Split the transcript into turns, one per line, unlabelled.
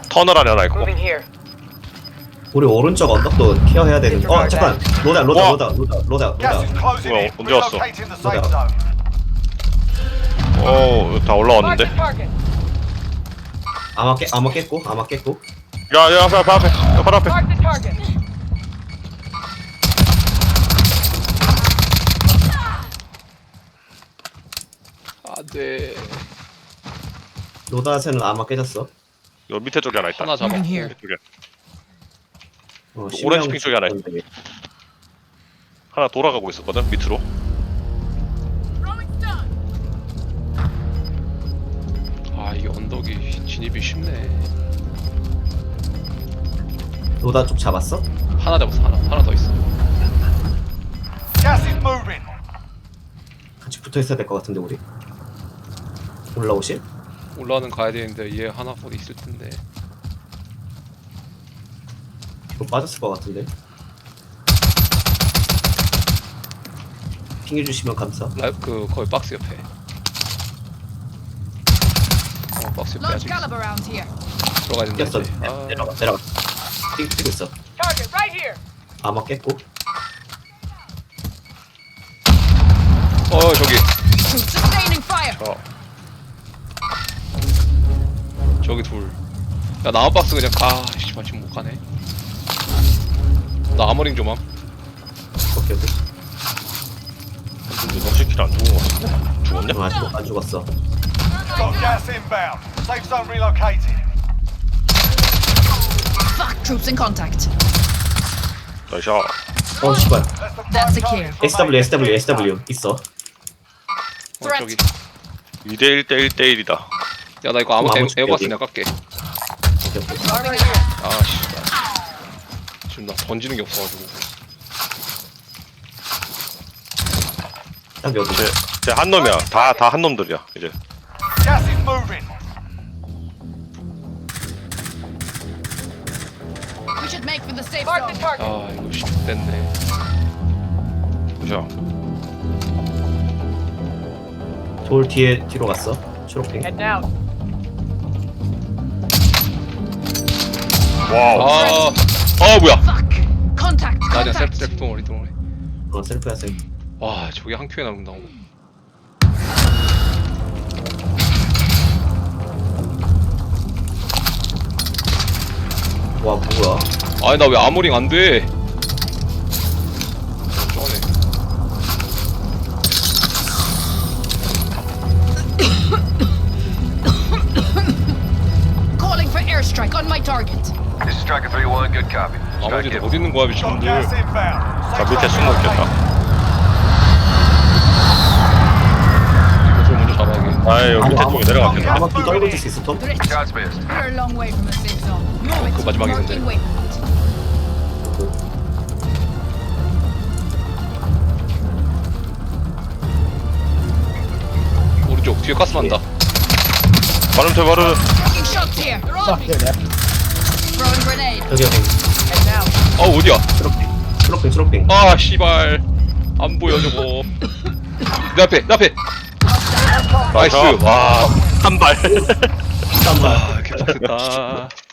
터널 안에 하나 있고.
Moving here.
우리 오른쪽 언덕도 케어해야 되는. 잠깐. 로다.
Gas is closing
Well,
in.
언제 왔어?
Relocating the safe
뭐야?
zone.
다 올라왔는데.
Mark the target.
아마 깼고.
야, 앞에. 야, 바로 앞에.
Mark the target.
안돼.
로다세는 아마 깨졌어.
요 밑에 쪽에 하나 있다.
하나 잡아.
Moving here.
쪽에.
오렌지
오렌지 핑 쪽에 하나 있어. 하나 돌아가고 있었거든, 밑으로.
아 이게 언덕이 진입이 쉽네.
로다 쪽 잡았어?
하나 잡았어. 하나 더 있어.
Gas is moving.
같이 붙어 있어야 될 것 같은데 우리. 올라오실?
올라는 가야 되는데 얘 하나 어디 있을 텐데.
이거 빠졌을 것 같은데. 핑해 주시면 감사.
그 거의 박스 옆에. 박스 옆에
Large
아직
caliber round here.
들어가야 된다.
깼어.
이제. 아,
내려가. 뛰고 있어.
Target right here.
아마 깼고.
저기
Sustaining fire.
저기 둘. 야 나무 박스 그냥 가. 씨발 지금 못 가네. 나 아머링 좀 함.
오케이.
근데 너 새끼를 안 죽은 거 같은데? 죽었냐?
아직 안 죽었어.
Got gas inbound. Safe zone relocated.
Fuck, troops in contact.
나이샤.
씨발.
That's the
That's
prime
secure.
target.
SW 있어.
저기.
2대1 대 1대1이다.
야 나 이거 아무
아무
에어박스
여기.
내가 깎게.
오케이.
Moving here.
아 씨발. 지금 나 던지는 게 없어가지고.
딱 여기.
쟤 한 놈이야. 다 한 놈들이야, 이제.
Gas is moving.
We should make for the safe
Mark the
zone.
target.
아 이거 씨 됐네.
자,
돌 뒤로 갔어. 초록핑.
Head down.
와우. 뭐야.
Fuck. Contact.
나 그냥
Contact.
셀프 동아리.
셀프야 셀프.
와 저게 한 큐에 나온다고.
와 뭐야?
아니 나 왜 아머링 안 돼? 쩌네.
Calling for airstrike on my target.
This is Striker 3-1, good copy.
아머리도 어디 있는 거야
Got
미친놈들.
gas inbound.
자,
Safe
밑에
zone
숨어 있겠다.
이것을 먼저 잡아야겠다.
아이, 여기 밑에 쪽에 내려갔겠네.
아마 비 떨궈질 수 있어 톰?
Godspeed.
We're a long way from the safe zone. Move it.
그 마지막에 있는데.
Marking waypoint.
오른쪽 뒤에 가스 난다.
바로
Taking shots here. Throwing grenade.
여기
Head down.
어디야?
초록핑.
아 씨발 안 보여 저거. 내 앞에. 나이스. 와.
한 발.
잠깐만.
개빡셌다.